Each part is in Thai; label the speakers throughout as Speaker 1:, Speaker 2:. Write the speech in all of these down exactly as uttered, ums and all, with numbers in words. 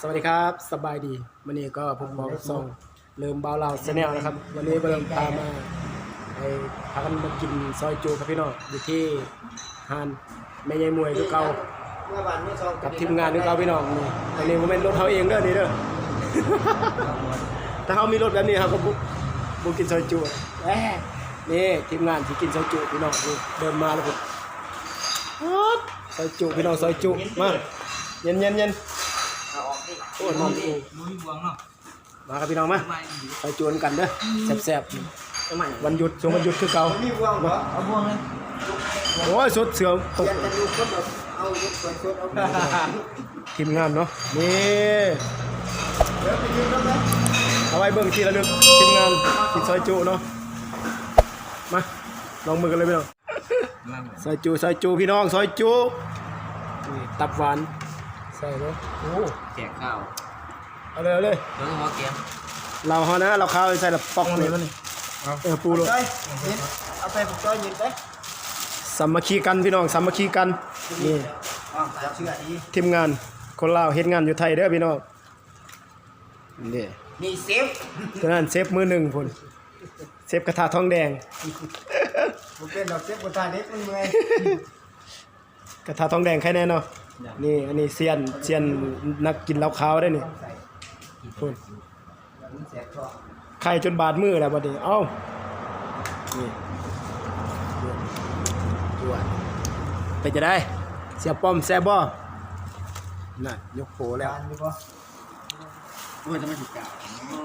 Speaker 1: วัสดีครับสบายดีวันนี้ก็ผมบอกส่งเริ่มเบาเราแนลนะครับวันนี้เริ่มพามาไปพากันมากินซอยจูครับพี่น้องอยู่ที่ฮานแม่ใหญ่มวยทุกเก่ากับทีมงานทุกเก่าพี่น้องนี่อันนี้ผมเป็นรถเขาเองเด้อนี่เด้อ ถ้าเขามีรถแบบนี้ครับก็บุบุกินซอยจูแหมนี่ทีมงานที่กินซอยจูพี่น้องนี่เดินมาแล้วผมซอยจูพี่น้องซอยจูมาเย็นเย็นเย็นโอ้ยน้องโอ้มาครับพี่น้องมาไปจวนกันเด้อแซ่บๆวันหยุดช่วงวันหยุดคือเก่าเอาบ่วงเลยโอ้ยสดเสือตกทีมงานเนาะนี่เอาไว้เบิ่งทีละลึกทีมงานกินซอยจูเนาะมาลองมือกันเลยพี่น้องซอยจูซอยจูพี่น้องซอยจูตับหวานใส่เลยโอ้
Speaker 2: แจกข้าว
Speaker 1: เอาเลยเอาเลย
Speaker 2: แล้วก็หัวเกม
Speaker 1: เราเขานะเราข้าวใส่ละปอกนี่มันนี่เออปูเลย
Speaker 2: เอาไปผมจ้อยยิงไป
Speaker 1: สามัคคีกันพี่น้องสามัคคีกันนี่ทีมงานคนลาวเฮ็ดงานอยู่ไทยเด้อพี่น้องนี่
Speaker 2: นี่เซฟ
Speaker 1: ฉะนั้นเซฟมือหนึ่งพุ่นเซฟกระทะทองแดง
Speaker 2: ผมเป็นดอกเซฟกระทะเล็กมันเมื่อย
Speaker 1: กระทะทองแดงใครแน่เนาะนี่อันนี้เซียนเซียนนักกินเหล้าขาวได้นี่พุ่นไข่จนบาดมือแล้วบัดนี้เอ้านี่จวดไปจะได้เสียป้อมแซ่บบ่น่ะยกโผแล้ว
Speaker 2: โอ้ยจะไม่ถูกกะ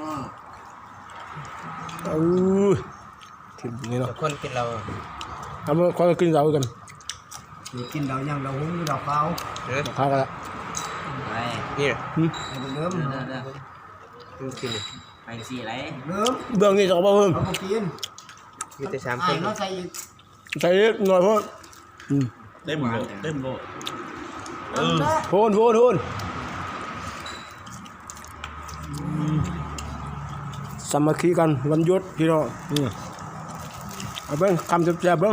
Speaker 1: เออถึงนี่เนาะ
Speaker 2: คนกินเรา
Speaker 1: ทำคนกินเรากัน
Speaker 2: กินเรายังเราหุ้มเราเปล่า
Speaker 1: เราข้าวกันละ
Speaker 2: ไอ้นี่
Speaker 1: หืม
Speaker 2: เริ่มเริ่มกินไปสี่ไรเริ่ม
Speaker 1: เบื้องนี่จะเอาเพิ่ม
Speaker 2: เอาไปกินมีแต่สามคนใส่
Speaker 1: ใส่หน่อยพ่อ
Speaker 3: เต็มโลเต็มโล
Speaker 1: เออโทนโทนโทนสามัคคีกันวันหยุดพี่น้องเอาเบิ้งคำแซ่บๆเบิ้ง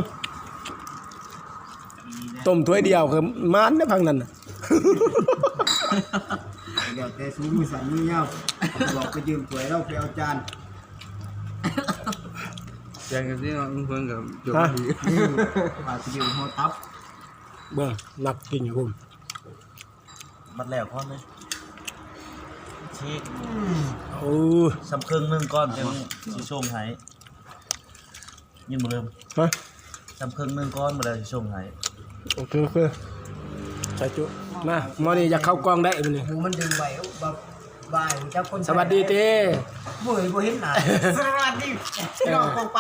Speaker 1: ต้มถ้วยเดียวคือมันได้พังนั่น
Speaker 2: เดี๋ยวแต่สูงมือสั่นมือเงาบอกไปยืมถ้วยเราไปเอาจาน
Speaker 3: อย่างที่น้องเพิ่งกับจุดดี
Speaker 2: มาไปยืมหัวทับ
Speaker 1: เบิ้งหนักกินอยู่คุณ
Speaker 3: มัดแล้วก้อนเลยชีก
Speaker 1: โอ้
Speaker 3: สำเครื่องหนึ่งก้อนยังสีส้มหายยินหมดเลย
Speaker 1: ฮะ
Speaker 3: สำเครื่องหนึ่งก้อนหมดเลยสีส้มหาย
Speaker 1: โอเคโอเคใส่จุมาหมอนี่อยากเข้ากล้องได้มันนี่
Speaker 2: หูมันดึงไหวแบบบ่ายเจ้าคน
Speaker 1: สวัสดีเต้
Speaker 2: บ่อยบ่เห็นหน้าสวัสดีน้องคงไป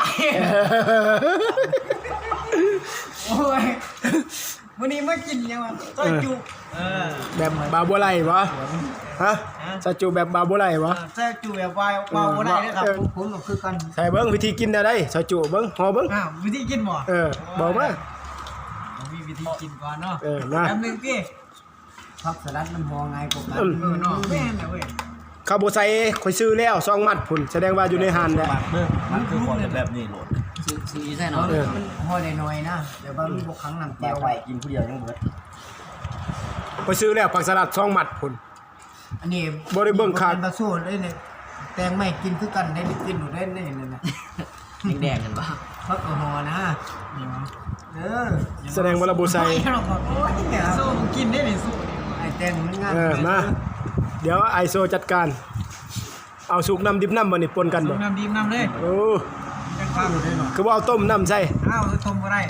Speaker 2: โอ้ยวันนี้มากินยังวะต้อยจุ
Speaker 1: แบบบาบัวไหลวะฮะใส่จุแบบบาบัวไหลวะ
Speaker 2: ใส่จุแบบบาบาบัวไหลนะครับผมก็คือกัน
Speaker 1: ใส่เบิ้งวิธีกินได้ใส่จุเบิ้งห่อเบิ้ง
Speaker 2: อ่าวิธีกินหมอ
Speaker 1: เออบอกมา
Speaker 2: มีวิธีกินก่อนเนาะ
Speaker 1: เออนะ
Speaker 2: แป๊บนึงพี่ผักสลัดมันมองไงผมกันเออเนาะแม่นเว้ย
Speaker 1: ข้าวโพดใส่ข่อยซื้อแล้วสองมัดพุ่นแสดงว่าอยู่ในหานแหละ
Speaker 3: มันคือความแบบนี้โหลด
Speaker 2: ซื้อใส่เนาะมันห่อน้อยๆนะเดี๋ยวบางพวกครั้งน้ำแก้วไว้
Speaker 3: กินผู้เดียวยังเบิด
Speaker 1: ข่อยซื้อแล้วผักสลัดสองมัดพุ่น
Speaker 2: อันนี้
Speaker 1: บ่ได้เบิ่งขาด
Speaker 2: ตะโซ่ได้เนี่ยแตงไม่กินคือกันได้กินหนูได้เนี่ยนั่นน่ะแดงๆกันบ่ผักห่อนะเออ
Speaker 1: แสดงว่าเราบ่ใส่
Speaker 2: โซ่กินได้นี่สู้ไอ้แตงมันงาน
Speaker 1: เออมาเดี๋ยวไอโซจัดการเอาสุกน้ำดิบน้ำบ่นี่ปนกันบ่
Speaker 2: สุกน้ำดิบน้ำเลย
Speaker 1: โอ้คือว่าเอาต้มน้ำใส่
Speaker 2: อ้าวต้มบ่ได้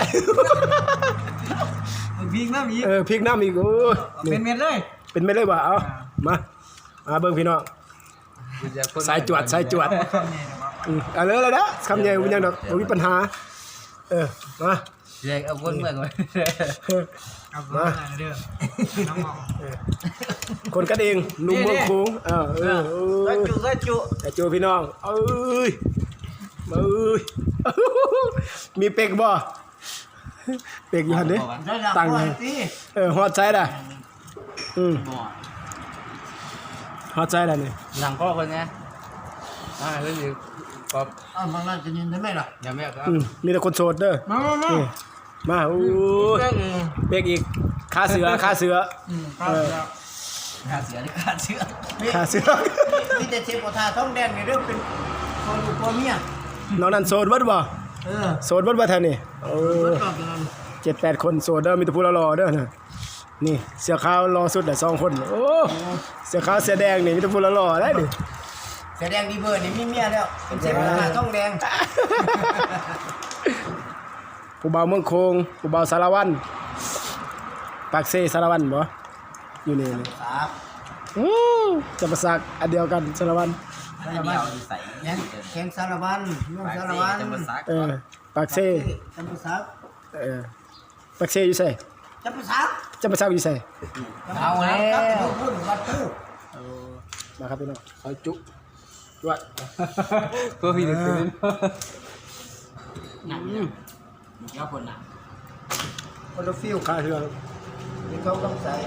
Speaker 2: พริกน้ำอีก
Speaker 1: เออพริกน้ำอีกโอ้
Speaker 2: เป็นเม็ดเลย
Speaker 1: เป็นเม็ดเลยบ่เอามามาเบิ่งพี่น้องสายจวดสายจวดอือเอาเลยเลยนะคำใหญ่บ่ยังดอกบ่มีปัญหาเออมา
Speaker 2: เด็กเอาคนเมืองไว้เอามาเด้อน้องๆ
Speaker 1: คนกันเองนุ่มเมืองโค้งเออเออ
Speaker 2: ก็จุก็จุ
Speaker 1: แต่จูพี่น้องเอ้ยเอ้ยมีเป็กบ่เป็กอยู่หั่นเด้ตั้งเออฮอดใจล่ะอืมฮอดใจล่ะนี่
Speaker 2: หลังก็คนไงอ่าเรื่องนี้ก็อ้าวบางร้านจะยินได้ไหมล่ะอย่าแม่ครับ
Speaker 1: อืมมีแต่คนโสดเด้อ
Speaker 2: มามา
Speaker 1: มาอู้เป็กอีกค่าเสือค่าเสือ
Speaker 2: ขาเสือหรือขาเชือก
Speaker 1: ขาเสือก
Speaker 2: มีแต่เชฟกระทาท้องแดงในเรื่องเป็นคนลูกคนเมีย
Speaker 1: น้องนั่นโสดเบิดบ่
Speaker 2: เออ
Speaker 1: โสดเบิดบ่แถวนี้โอ้
Speaker 2: เบิดกรอบอย่างนั้น
Speaker 1: เจ็ดแปดคนโสดเด้อมีแต่ผู้รอๆเด้อนะนี่เสื้อขาวรอสุดแหละสองคนโอ้เสื้อขาวเสื้อแดงนี่มีแต่ผู้รอๆได้ดิ
Speaker 2: แสดงดีเบอร์นี่มีเมียแล้วเป็นเชฟกระทาท้องแดง
Speaker 1: ผู้บ่าวเมืองโคงผู้บ่าวสารวัตรปากเซสารวัตรบ่อยู่นี่นี่
Speaker 2: ครับ
Speaker 1: อู้จะประสักอันเดียวกันสารวัตร
Speaker 2: สารวัตรยังแข่งสารวัตรน้องสารวัตร
Speaker 1: เออปากเซ
Speaker 2: จำปาสัก
Speaker 1: เออปากเซอยู่ไส
Speaker 2: จำปาสัก
Speaker 1: จะประสักอยู่ไส
Speaker 2: เอาแล้วครับพูดวัดตู้
Speaker 1: มาครับพี่น้องซอยจุด้วย
Speaker 2: ก็พี่เด็กเป็นหนักเนี่ยเจ้าคนหนัก
Speaker 1: คนละฟิลค่าเรือ
Speaker 2: ที่เขาต้องใส่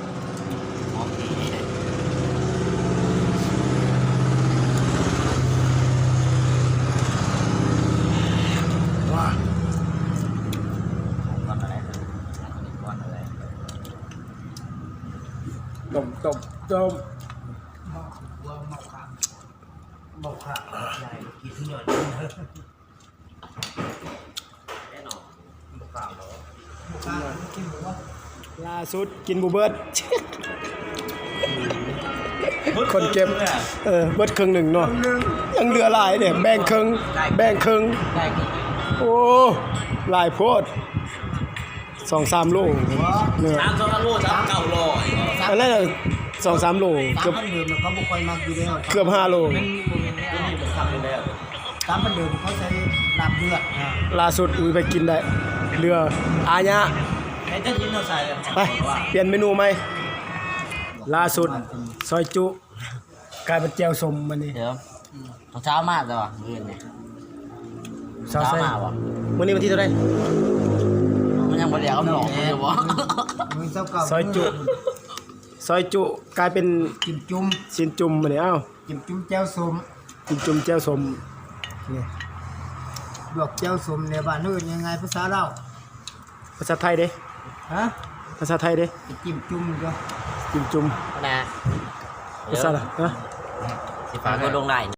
Speaker 1: ว้า
Speaker 3: ก้อนอะไรก้อนอะไร
Speaker 1: ต้มต้มต้ม
Speaker 2: ว่าเมาขาเมาขาใหญ่กินหน่อยแน่นอนเมาขาเหรอเมาขากินหรือว่า
Speaker 1: ล่าสุดกินบูเบิร์ด คนเก็บเออเบิดครึ่งหนึ่งเนาะยังเหลือหลายเนี่ยแบ่งครึ่งแบ่งครึ่ง
Speaker 2: ได้กิน
Speaker 1: โอ้หลายโพดสองสามโลเนี่ย
Speaker 3: สามสองโลสามเก้าโล
Speaker 1: อะไรน่ะสองสามโล
Speaker 2: สา
Speaker 1: เกื
Speaker 2: ม
Speaker 1: อบ
Speaker 2: พันเดิมเขาบอกคอยมาอยู่แล้ว
Speaker 1: เกือบห้าโล
Speaker 2: สามพันเดิมเขาใช้ลาบเลือด
Speaker 1: ล่าสุดอุ้ยไปกินได้เรืออาญะ
Speaker 3: ไอ้เจ้ายินเราใส่เลย
Speaker 1: ไปเปลี่ยนเมนูไหมล่าสุดซอยจุกลายเป็นแจ่วสมมันนี่
Speaker 4: เดี๋ยวตอนเช้ามากเลยว่ะเงินเนี่ย
Speaker 1: เช้า
Speaker 4: เช้า
Speaker 1: ใส่
Speaker 4: มากว่ะ
Speaker 1: วันนี้วันที่เท่าไหร่
Speaker 4: มันยังบ่ได้เอาหลอกมันอยู่วะ
Speaker 2: มือเจ้าเก่า
Speaker 1: ซอยจุซอยจุกลายเป็น
Speaker 2: จิ้มจุ่ม
Speaker 1: สินจุ่มมันนี่เอ้า
Speaker 2: จิ้มจุ่มแจ่วส้ม
Speaker 1: สินจุ่มแจ่วสมนี่
Speaker 2: ดอกแจ่วส้มในบ้านอื่นยังไงภาษาเรา
Speaker 1: ภาษาไทยเด้
Speaker 2: ฮะ
Speaker 1: ภาษาไทยเด้
Speaker 2: จิ้มจุ่มก็
Speaker 1: จิ้มจุ่ม
Speaker 4: นะ
Speaker 1: ภาษาอะไรฮะ
Speaker 4: สิฟ้าก็ลงได้